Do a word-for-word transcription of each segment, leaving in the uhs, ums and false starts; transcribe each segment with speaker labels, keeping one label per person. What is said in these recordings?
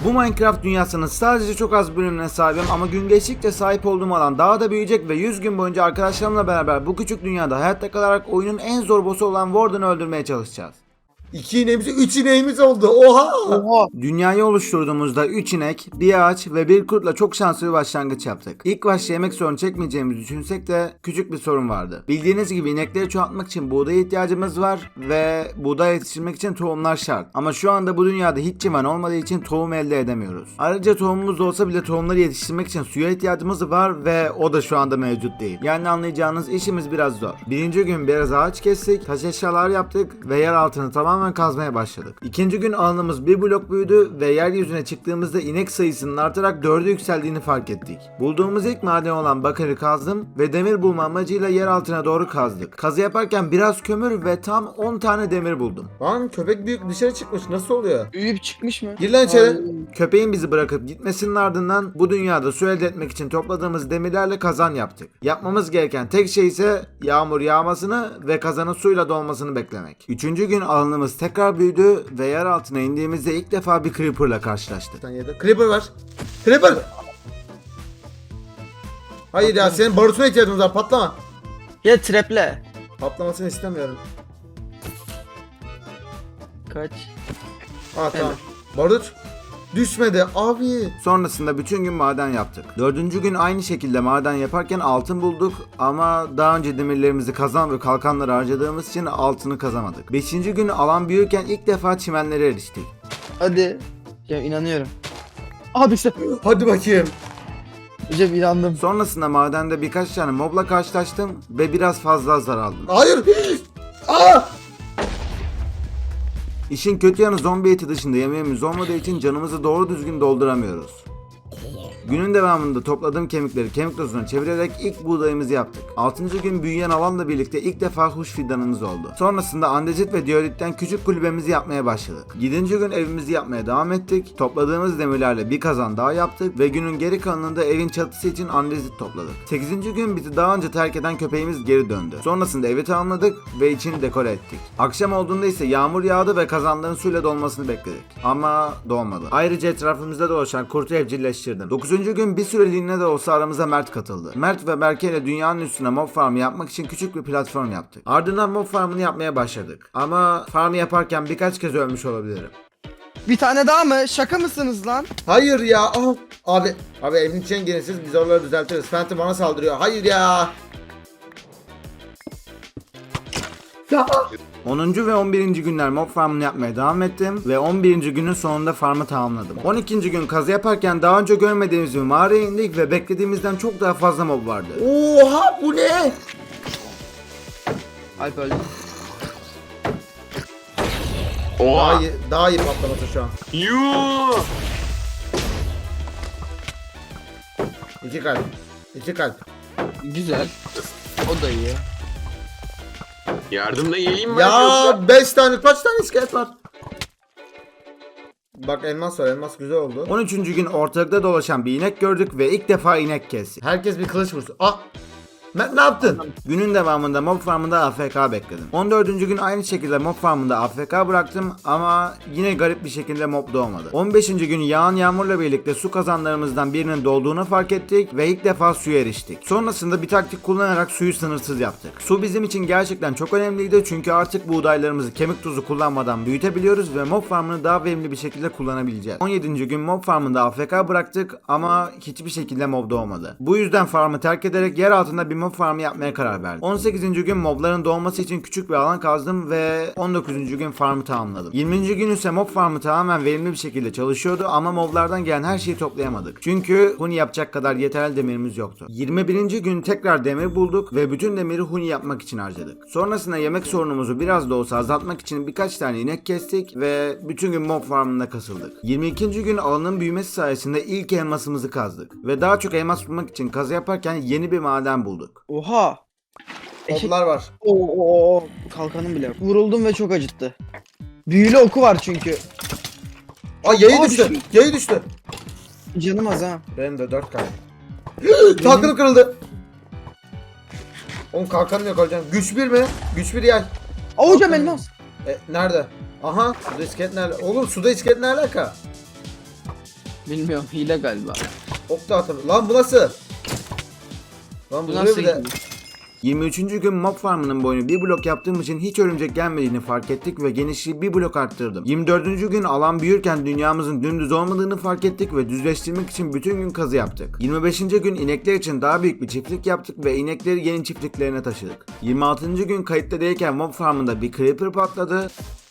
Speaker 1: Bu Minecraft dünyasının sadece çok az bölümüne sahibim ama gün geçtikçe sahip olduğum alan daha da büyüyecek ve yüz gün boyunca arkadaşlarımla beraber bu küçük dünyada hayatta kalarak oyunun en zor boss'u olan Warden'ı öldürmeye çalışacağız.
Speaker 2: İki ineğimiz, üç ineğimiz oldu. Oha!
Speaker 3: Oha.
Speaker 1: Dünyayı oluşturduğumuzda üç inek, bir ağaç ve bir kurtla çok şanslı bir başlangıç yaptık. İlk başta yemek sorunu çekmeyeceğimizi düşünsek de küçük bir sorun vardı. Bildiğiniz gibi inekleri çoğaltmak için buğdaya ihtiyacımız var ve buğday yetiştirmek için tohumlar şart. Ama şu anda bu dünyada hiç civan olmadığı için tohum elde edemiyoruz. Ayrıca tohumumuz olsa bile tohumları yetiştirmek için suya ihtiyacımız var ve o da şu anda mevcut değil. Yani anlayacağınız işimiz biraz zor. Birinci gün biraz ağaç kestik, taş eşyalar yaptık ve yer altını tamamen kazmaya başladık. İkinci gün alanımız bir blok büyüdü ve yeryüzüne çıktığımızda inek sayısının artarak dörde yükseldiğini fark ettik. Bulduğumuz ilk maden olan bakırı kazdım ve demir bulma amacıyla yer altına doğru kazdık. Kazı yaparken biraz kömür ve tam on tane demir buldum.
Speaker 2: Lan köpek büyük dışarı çıkmış. Nasıl oluyor?
Speaker 3: Büyüyüp çıkmış mı?
Speaker 2: Gir lan içeri.
Speaker 3: Ay.
Speaker 1: Köpeğin bizi bırakıp gitmesinin ardından bu dünyada su elde etmek için topladığımız demirlerle kazan yaptık. Yapmamız gereken tek şey ise yağmur yağmasını ve kazanın suyla dolmasını beklemek. Üçüncü gün alanımız tekrar büyüdü ve yer altına indiğimizde ilk defa bir creeper'la karşılaştık.
Speaker 2: Sen yedi. Creeper var. Creeper! Hayır ya, senin barutuna ihtiyacımız var. Patlama.
Speaker 3: Ya treple.
Speaker 2: Patlamasını istemiyorum.
Speaker 3: Kaç?
Speaker 2: Aa tamam. Barut. Düşmedi abi.
Speaker 1: Sonrasında bütün gün maden yaptık. Dördüncü gün aynı şekilde maden yaparken altın bulduk ama daha önce demirlerimizi kazan ve kalkanları harcadığımız için altını kazamadık. Beşinci gün alan büyürken ilk defa çimenlere eriştik.
Speaker 3: Hadi. Ya inanıyorum. Abi işte.
Speaker 2: Hadi bakayım.
Speaker 3: Hocam inandım.
Speaker 1: Sonrasında madende birkaç tane mobla karşılaştım ve biraz fazla hasar aldım.
Speaker 2: Hayır. Aa!
Speaker 1: İşin kötü yanı zombi eti dışında yemeğimiz olmadığı için canımızı doğru düzgün dolduramıyoruz. Günün devamında topladığım kemikleri kemik tozuna çevirerek ilk buğdayımızı yaptık. altıncı gün büyüyen alanla birlikte ilk defa huş fidanımız oldu. Sonrasında andezit ve diyolitten küçük kulübemizi yapmaya başladık. yedinci gün evimizi yapmaya devam ettik. Topladığımız demirlerle bir kazan daha yaptık ve günün geri kalanında evin çatısı için andezit topladık. sekizinci gün bizi daha önce terk eden köpeğimiz geri döndü. Sonrasında evi tamamladık ve içini dekore ettik. Akşam olduğunda ise yağmur yağdı ve kazanların suyla dolmasını bekledik. Ama dolmadı. Ayrıca etrafımızda dolaşan kurtu evcilleştirdim. dokuzuncu gün bir süreliğine de olsa aramıza Mert katıldı. Mert ve Berke ile dünyanın üstüne mob farmı yapmak için küçük bir platform yaptık. Ardından mob farmını yapmaya başladık. Ama farmı yaparken birkaç kez ölmüş olabilirim.
Speaker 3: Bir tane daha mı? Şaka mısınız lan?
Speaker 2: Hayır ya. Aa. Abi. Abi evin içine girin siz, biz oraları düzeltiriz. Phantom bana saldırıyor. Hayır ya. Ya.
Speaker 1: onuncu ve on birinci günler mob farmını yapmaya devam ettim ve on birinci günün sonunda farmı tamamladım. on ikinci gün kazı yaparken daha önce görmediğimiz bir mağaraya indik ve beklediğimizden çok daha fazla mob vardı.
Speaker 2: Oha, bu ne?
Speaker 3: Alp öldü.
Speaker 2: Daha
Speaker 4: Oha.
Speaker 2: iyi, daha iyi patlaması şu an.
Speaker 4: Yuuu.
Speaker 2: İki kalp. İki kalp.
Speaker 3: Güzel. O da iyi.
Speaker 4: Yardımda geleyim mi?
Speaker 2: Ya beş tane, kaç tane iskelet var? Bak elmas var, elmas güzel oldu.
Speaker 1: on üçüncü gün ortalıkta dolaşan bir inek gördük ve ilk defa inek kestik.
Speaker 2: Herkes bir kılıç vursun. Ah! Mert ne yaptın?
Speaker 1: Günün devamında mob farmında A F K bekledim. on dördüncü gün aynı şekilde mob farmında A F K bıraktım ama yine garip bir şekilde mob doğmadı. on beşinci gün yağan yağmurla birlikte su kazanlarımızdan birinin dolduğunu fark ettik ve ilk defa suya eriştik. Sonrasında bir taktik kullanarak suyu sınırsız yaptık. Su bizim için gerçekten çok önemliydi çünkü artık buğdaylarımızı kemik tuzu kullanmadan büyütebiliyoruz ve mob farmını daha verimli bir şekilde kullanabileceğiz. on yedinci gün mob farmında A F K bıraktık ama hiçbir şekilde mob doğmadı. Bu yüzden farmı terk ederek yer altında bir mob farmı yapmaya karar verdim. on sekizinci gün mobların doğması için küçük bir alan kazdım ve on dokuzuncu gün farmı tamamladım. yirminci gün ise mob farmı tamamen verimli bir şekilde çalışıyordu ama moblardan gelen her şeyi toplayamadık. Çünkü huni yapacak kadar yeterli demirimiz yoktu. yirmi birinci gün tekrar demir bulduk ve bütün demiri huni yapmak için harcadık. Sonrasında yemek sorunumuzu biraz da olsa azaltmak için birkaç tane inek kestik ve bütün gün mob farmında kasıldık. yirmi ikinci gün alanın büyümesi sayesinde ilk elmasımızı kazdık ve daha çok elmas bulmak için kazı yaparken yeni bir maden bulduk.
Speaker 3: Oha. Eşek.
Speaker 2: Moblar var.
Speaker 3: Oo, oo, oo. Kalkanım bile yok. Vuruldum ve çok acıttı. Büyülü oku var çünkü.
Speaker 2: Aa, yayı
Speaker 3: Aa,
Speaker 2: düştü.
Speaker 3: düştü.
Speaker 2: Yayı düştü.
Speaker 3: Canım az ha.
Speaker 2: Benim de dört kalp. Kalkanım kırıldı. Oğlum kalkanım yok hocam. Güç bir mi? Güç bir yay.
Speaker 3: Aa hocam
Speaker 2: Kalkanım-
Speaker 3: elmas.
Speaker 2: E, nerede? Aha, suda iskelet nerede? Oğlum suda iskelet ne alaka?
Speaker 3: Bilmiyorum, hile galiba.
Speaker 2: Ok da atamıyorum. Lan bu nasıl? Lan bu
Speaker 3: Bu
Speaker 2: vuruyor
Speaker 3: nasıl
Speaker 2: bir de.
Speaker 3: gidiyor?
Speaker 1: yirmi üçüncü gün mob farmının boyunu bir blok yaptığım için hiç örümcek gelmediğini fark ettik ve genişliği bir blok arttırdım. yirmi dördüncü gün alan büyürken dünyamızın dümdüz olmadığını fark ettik ve düzleştirmek için bütün gün kazı yaptık. yirmi beşinci gün inekler için daha büyük bir çiftlik yaptık ve inekleri yeni çiftliklerine taşıdık. yirmi altıncı gün kayıtta değilken mob farmında bir creeper patladı.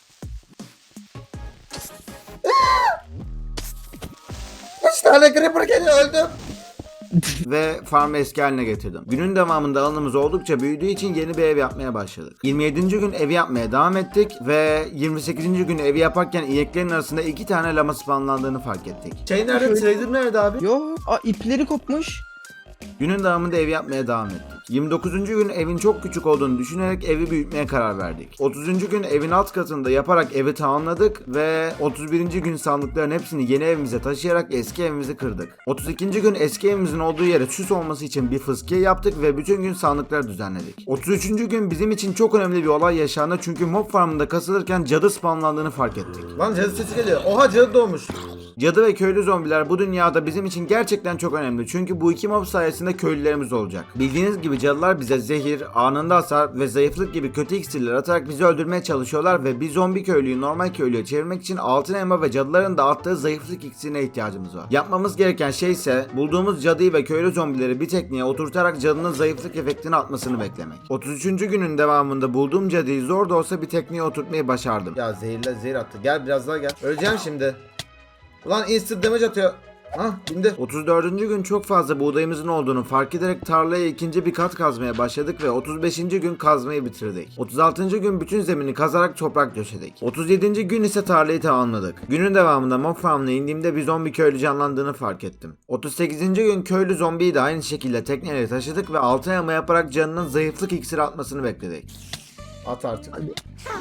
Speaker 2: Kaç tane creeper geliyor, öldüm.
Speaker 1: ve farmı eski haline getirdim. Günün devamında alanımız oldukça büyüdüğü için yeni bir ev yapmaya başladık. yirmi yedinci gün evi yapmaya devam ettik ve yirmi sekizinci gün evi yaparken ineklerin arasında iki tane lama spawnlandığını fark ettik.
Speaker 2: Şey nerede? Trader nerede abi?
Speaker 3: Yo, aa, ipleri kopmuş.
Speaker 1: Günün devamında evi yapmaya devam ettik. yirmi dokuzuncu gün evin çok küçük olduğunu düşünerek evi büyütmeye karar verdik. otuzuncu gün evin alt katında yaparak evi tamamladık ve otuz birinci gün sandıkların hepsini yeni evimize taşıyarak eski evimizi kırdık. otuz ikinci gün eski evimizin olduğu yere süs olması için bir fıskiye yaptık ve bütün gün sandıklar düzenledik. otuz üçüncü gün bizim için çok önemli bir olay yaşandı çünkü mob farmında kasılırken cadı spawnlandığını fark ettik.
Speaker 2: Lan cadı sesi geliyor. Oha, cadı doğmuş.
Speaker 1: Cadı ve köylü zombiler bu dünyada bizim için gerçekten çok önemli çünkü bu iki mob sayesinde köylülerimiz olacak. Bildiğiniz gibi cadılar bize zehir, anında hasar ve zayıflık gibi kötü iksirler atarak bizi öldürmeye çalışıyorlar ve bir zombi köylüyü normal köylüye çevirmek için altın elma ve cadıların dağıttığı zayıflık iksirine ihtiyacımız var. Yapmamız gereken şey ise bulduğumuz cadıyı ve köylü zombileri bir tekniğe oturtarak cadının zayıflık efektini atmasını beklemek. otuz üçüncü günün devamında bulduğum cadıyı zor da olsa bir tekniğe oturtmayı başardım.
Speaker 2: Ya zehirle zehir attı. Gel biraz daha gel. Öleceğim şimdi. Ulan instant damage atıyor. Hah, bindi.
Speaker 1: otuz dördüncü gün çok fazla buğdayımızın olduğunu fark ederek tarlaya ikinci bir kat kazmaya başladık ve otuz beşinci gün kazmayı bitirdik. otuz altıncı gün bütün zemini kazarak toprak döşedik. otuz yedinci gün ise tarlayı tamamladık. Günün devamında mob farmına indiğimde bir zombi köylü canlandığını fark ettim. otuz sekizinci gün köylü zombiyi de aynı şekilde tekneyle taşıdık ve altın elma yaparak canının zayıflık iksiri atmasını bekledik.
Speaker 2: At artık.
Speaker 3: Hadi.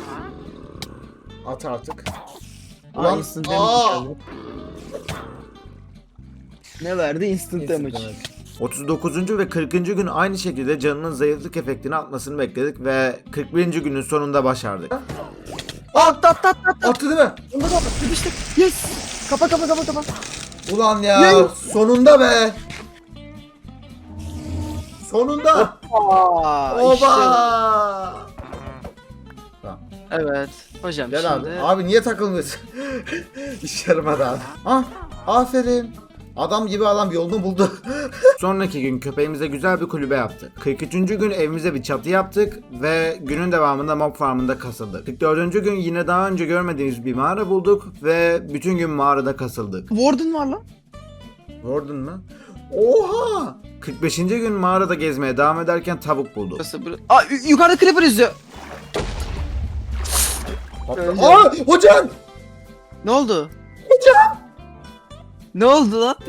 Speaker 2: At artık.
Speaker 3: Aa,
Speaker 2: Ulan.
Speaker 3: instant
Speaker 2: Aa!
Speaker 3: damage geldi. Ne verdi? Instant,
Speaker 2: Instant
Speaker 3: damage.
Speaker 2: damage.
Speaker 1: otuz dokuzuncu ve kırkıncı gün aynı şekilde canının zayıflık efektini atmasını bekledik ve kırk birinci günün sonunda başardık.
Speaker 3: At at at at.
Speaker 2: Attı değil mi?
Speaker 3: Onda da yapıştık. Yes. Kapa kapa kapa kapa.
Speaker 2: Ulan ya,
Speaker 3: Yay!
Speaker 2: sonunda be. Sonunda.
Speaker 3: Aa,
Speaker 2: Oba.
Speaker 3: işte.
Speaker 2: Tamam.
Speaker 3: Evet. Hocam
Speaker 2: Gel
Speaker 3: şimdi.
Speaker 2: abi. Abi niye takılmıyorsun? İş yaramadı abi. Ah, aferin. Adam gibi adam yolunu buldu.
Speaker 1: Sonraki gün köpeğimize güzel bir kulübe yaptık. kırk üçüncü gün evimize bir çatı yaptık ve günün devamında mob farmında kasıldık. kırk dördüncü gün yine daha önce görmediğimiz bir mağara bulduk ve bütün gün mağarada kasıldık.
Speaker 3: Warden var lan.
Speaker 2: Gördün mü? Oha!
Speaker 1: kırk beşinci gün mağarada gezmeye devam ederken tavuk bulduk.
Speaker 3: Burası bur- Aa, yu- yukarıda creeper izliyor. Öyle.
Speaker 2: Aa, hocam!
Speaker 3: Ne oldu? Ne oldu lan?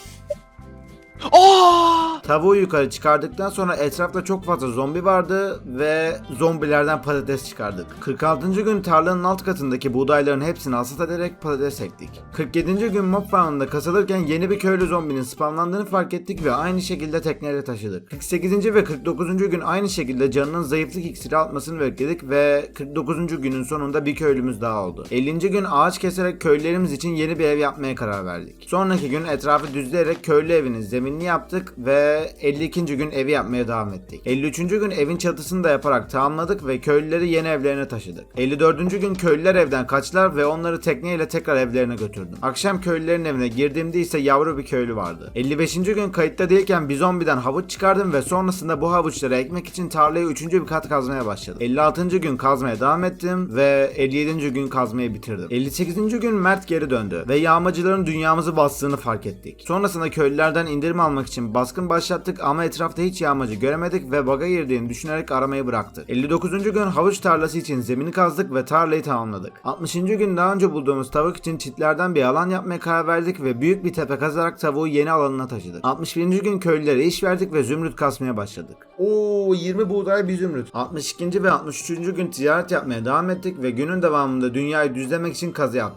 Speaker 3: Aa!
Speaker 1: Tavuğu yukarı çıkardıktan sonra etrafta çok fazla zombi vardı ve zombilerden patates çıkardık. kırk altıncı gün tarlanın alt katındaki buğdayların hepsini hasat ederek patates ektik. kırk yedinci gün mob farmında kasılırken yeni bir köylü zombinin spawnlandığını fark ettik ve aynı şekilde tekneyle taşıdık. kırk sekizinci ve kırk dokuzuncu gün aynı şekilde canının zayıflık iksiri atmasını bekledik ve kırk dokuzuncu günün sonunda bir köylümüz daha oldu. ellinci gün ağaç keserek köylülerimiz için yeni bir ev yapmaya karar verdik. Sonraki gün etrafı düzleyerek köylü evinin zeminini yaptık ve elli ikinci gün evi yapmaya devam ettik. elli üçüncü gün evin çatısını da yaparak tamamladık ve köylüleri yeni evlerine taşıdık. elli dördüncü gün köylüler evden kaçtılar ve onları tekneyle tekrar evlerine götürdüm. Akşam köylülerin evine girdiğimde ise yavru bir köylü vardı. elli beşinci gün kayıtta değilken bir zombiden havuç çıkardım ve sonrasında bu havuçları ekmek için tarlayı üçüncü bir kat kazmaya başladım. elli altıncı gün kazmaya devam ettim ve elli yedinci gün kazmayı bitirdim. elli sekizinci gün Mert geri döndü ve yağmacıların dünyamızı bastığını fark ettik. Sonrasında köylülerden indirim almak için baskın başlattık ama etrafta hiç yağmacı göremedik ve baga girdiğini düşünerek aramayı bıraktık. elli dokuzuncu gün havuç tarlası için zemini kazdık ve tarlayı tamamladık. altmışıncı gün daha önce bulduğumuz tavuk için çitlerden bir alan yapmaya karar verdik ve büyük bir tepe kazarak tavuğu yeni alanına taşıdık. altmış birinci gün köylülere iş verdik ve zümrüt kasmaya başladık.
Speaker 2: Oo, yirmi buğday, bir zümrüt.
Speaker 1: altmış ikinci ve altmış üçüncü gün ticaret yapmaya devam ettik ve günün devamında dünyayı düzlemek için kazı yaptık.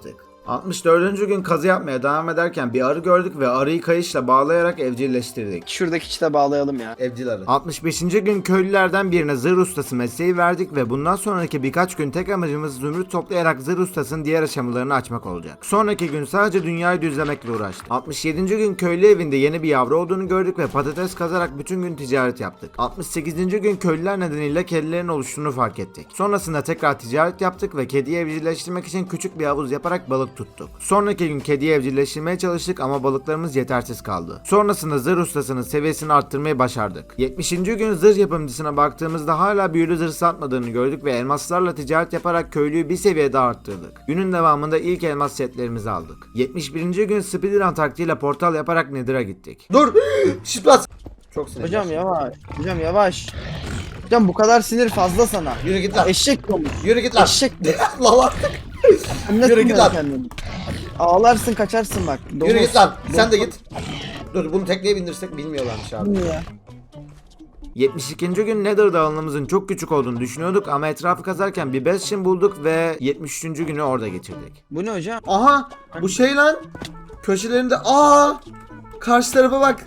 Speaker 1: altmış dördüncü gün kazı yapmaya devam ederken bir arı gördük ve arıyı kayışla bağlayarak evcilleştirdik.
Speaker 3: Şuradaki çite bağlayalım ya.
Speaker 2: Evcil arı.
Speaker 1: altmış beşinci gün köylülerden birine zırh ustası mesleği verdik ve bundan sonraki birkaç gün tek amacımız zümrüt toplayarak zırh ustasının diğer aşamalarını açmak olacak. Sonraki gün sadece dünyayı düzlemekle uğraştık. altmış yedinci gün köylü evinde yeni bir yavru olduğunu gördük ve patates kazarak bütün gün ticaret yaptık. altmış sekizinci gün köylüler nedeniyle kedilerin oluştuğunu fark ettik. Sonrasında tekrar ticaret yaptık ve kediyi evcilleştirmek için küçük bir havuz yaparak balık tuttuk. Sonraki gün kediyi evcilleştirmeye çalıştık ama balıklarımız yetersiz kaldı. Sonrasında zırh ustasının seviyesini arttırmayı başardık. yetmişinci gün zırh yapımcısına baktığımızda hala büyülü zırh satmadığını gördük ve elmaslarla ticaret yaparak köylüyü bir seviye daha arttırdık. Günün devamında ilk elmas setlerimizi aldık. yetmiş birinci gün speedrun taktiğiyle portal yaparak Nether'a gittik.
Speaker 2: Dur. Şıplat. Çok sinirli.
Speaker 3: Hocam yavaş. Hocam yavaş. Hocam bu kadar sinir fazla sana.
Speaker 2: Yürü git lan.
Speaker 3: Eşek olmuş.
Speaker 2: Yürü git lan.
Speaker 3: Eşek.
Speaker 2: Lan artık.
Speaker 3: Anne
Speaker 2: Yürü git
Speaker 3: tutma
Speaker 2: lan.
Speaker 3: kendini. Ağlarsın kaçarsın bak.
Speaker 2: Yürü git lan. Sen de git. Dur bunu tekneye bindirsek bilmiyorlarmış abi.
Speaker 3: Ya.
Speaker 1: yetmiş ikinci gün Nether dağılımımızın çok küçük olduğunu düşünüyorduk ama etrafı kazarken bir bastion bulduk ve yetmiş üçüncü günü orada geçirdik.
Speaker 3: Bu ne hocam?
Speaker 2: Aha bu şey lan. Köşelerinde aa karşı tarafa bak.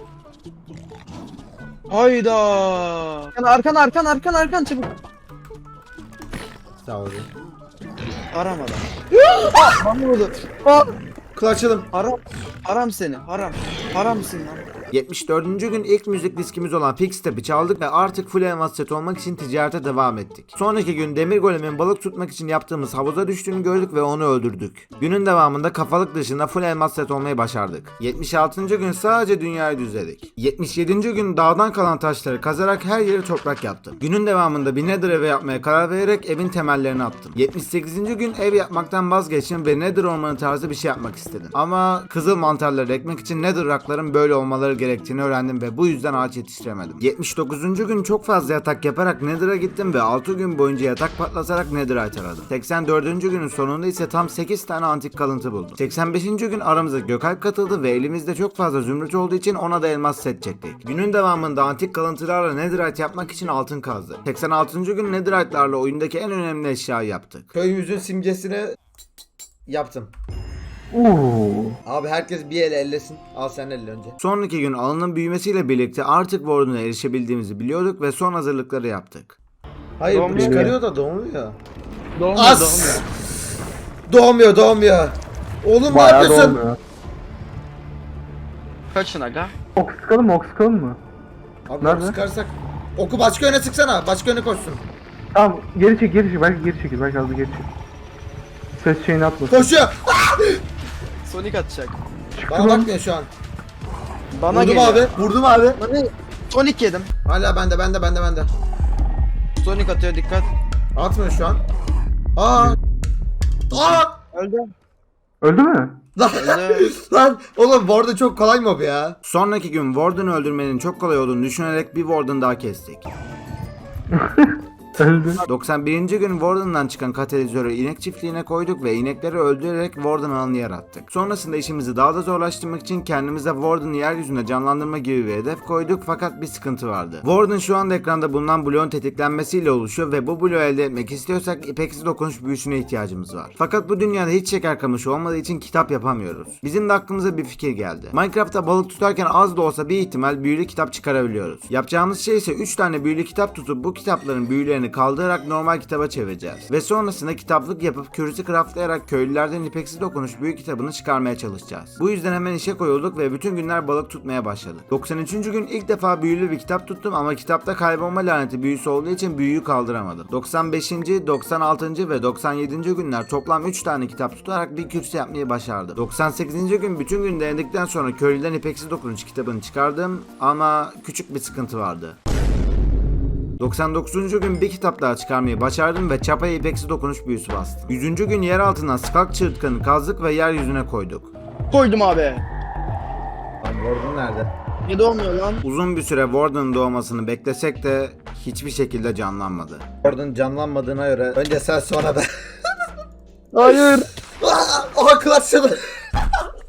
Speaker 3: Hayda. Arkan arkan arkan arkan çabuk.
Speaker 2: Sağ ol.
Speaker 3: Aramadan. Aa, bana vurdu. Aa,
Speaker 2: Kulaçalım.
Speaker 3: haram. Haram seni. Haram. Haramsın lan.
Speaker 1: yetmiş dördüncü gün ilk müzik diskimiz olan Pixtep'i çaldık ve artık full elmas set olmak için ticarete devam ettik. Sonraki gün demir golemin balık tutmak için yaptığımız havuza düştüğünü gördük ve onu öldürdük. Günün devamında kafalık dışında full elmas set olmayı başardık. yetmiş altıncı gün sadece dünyayı düzledik. yetmiş yedinci gün dağdan kalan taşları kazarak her yeri toprak yaptım. Günün devamında bir Nether evi yapmaya karar vererek evin temellerini attım. yetmiş sekizinci gün ev yapmaktan vazgeçtim ve Nether ormanı tarzı bir şey yapmak istedim. Ama kızıl mantarları ekmek için Nether rock'ların böyle olmaları gerektiğini öğrendim ve bu yüzden ağaç yetiştiremedim. yetmiş dokuzuncu gün çok fazla yatak yaparak Nether'a gittim ve altı gün boyunca yatak patlatarak Netherite aradım. seksen dördüncü günün sonunda ise tam sekiz tane antik kalıntı buldum. seksen beşinci gün aramıza Gökalp katıldı ve elimizde çok fazla zümrüt olduğu için ona da elmas set çektik. Günün devamında antik kalıntılarla Netherite yapmak için altın kazdı. seksen altıncı gün Netherite'larla oyundaki en önemli eşyayı yaptık.
Speaker 2: Köyümüzün simgesini yaptım.
Speaker 4: Oo.
Speaker 2: Abi herkes bir el ellesin. Al sen elle önce.
Speaker 1: Sonraki gün alanın büyümesiyle birlikte artık Warden'a erişebildiğimizi biliyorduk ve son hazırlıkları yaptık.
Speaker 2: Hayır bu
Speaker 3: Doğmuyor.
Speaker 2: çıkarıyor da doğmuyor.
Speaker 3: Doğmuyor
Speaker 2: As!
Speaker 3: doğmuyor.
Speaker 2: Doğmuyor doğmuyor. Oğlum ne
Speaker 4: Bayağı
Speaker 2: yapıyorsun?
Speaker 4: dolmuyor.
Speaker 3: Kaçın aga.
Speaker 4: Ok sıkalım mı? Ok sıkalım mı?
Speaker 2: Abi
Speaker 4: Nerede?
Speaker 2: oku sıkarsak. Oku başka yöne sıksana. Başka yöne koşsun.
Speaker 4: Tamam geri çek geri çek. Belki geri çekil. Belki az da geri çek. Ses şeyini atmasın.
Speaker 2: Koşuyor.
Speaker 3: Sonic atacak.
Speaker 4: Çıktı
Speaker 2: Bana
Speaker 4: lan.
Speaker 2: bakmıyor şu an.
Speaker 3: Bana
Speaker 2: Vurdum
Speaker 3: geliyor.
Speaker 2: abi. Vurdum abi.
Speaker 3: Bana... Sonic yedim.
Speaker 2: Hala bende bende bende bende.
Speaker 3: Sonic atıyor dikkat.
Speaker 2: Atmıyor şu an. Aa. Aa.
Speaker 3: Öldü.
Speaker 4: Öldü mü?
Speaker 2: Lan.
Speaker 3: Öldü.
Speaker 2: Lan oğlum bu arada çok kolay mob ya.
Speaker 1: Sonraki gün Warden'ı öldürmenin çok kolay olduğunu düşünerek bir Warden daha kestik.
Speaker 4: Öldü.
Speaker 1: doksan birinci gün Warden'dan çıkan katalizörü inek çiftliğine koyduk ve inekleri öldürerek Warden alanı yarattık. Sonrasında işimizi daha da zorlaştırmak için kendimize Warden'ı yeryüzünde canlandırma gibi bir hedef koyduk fakat bir sıkıntı vardı. Warden şu anda ekranda bulunan bloğun tetiklenmesiyle oluşuyor ve bu bloğu elde etmek istiyorsak ipeksiz dokunuş büyüsüne ihtiyacımız var. Fakat bu dünyada hiç şeker kamışı olmadığı için kitap yapamıyoruz. Bizim de aklımıza bir fikir geldi. Minecraft'ta balık tutarken az da olsa bir ihtimal büyülü kitap çıkarabiliyoruz. Yapacağımız şey ise üç tane büyülü kitap tutup bu kitapların büyülerini kaldırarak normal kitaba çevireceğiz. Ve sonrasında kitaplık yapıp kürüsü craftlayarak köylülerden ipeksiz dokunuş büyük kitabını çıkarmaya çalışacağız. Bu yüzden hemen işe koyulduk ve bütün günler balık tutmaya başladık. doksan üçüncü gün ilk defa büyülü bir kitap tuttum ama kitapta kaybolma laneti büyüsü olduğu için büyüyü kaldıramadım. doksan beşinci, doksan altıncı ve doksan yedinci günler toplam üç tane kitap tutarak bir kürsü yapmayı başardım. doksan sekizinci gün bütün gün denedikten sonra köylüden ipeksiz dokunuş kitabını çıkardım ama küçük bir sıkıntı vardı. doksan dokuzuncu gün bir kitap daha çıkarmayı başardım ve çapaya ipeksi dokunuş büyüsü bastım. yüzüncü gün yer altından Skalk çığırtkanı kazdık ve yeryüzüne koyduk.
Speaker 3: Koydum abi.
Speaker 2: Lan Gordon nerede?
Speaker 3: Ne doğmuyor lan?
Speaker 1: Uzun bir süre Warden'ın doğmasını beklesek de hiçbir şekilde canlanmadı.
Speaker 2: Gordon canlanmadığına göre önce sen sonra ben.
Speaker 3: Hayır.
Speaker 2: Aa, aha clutch çaldı.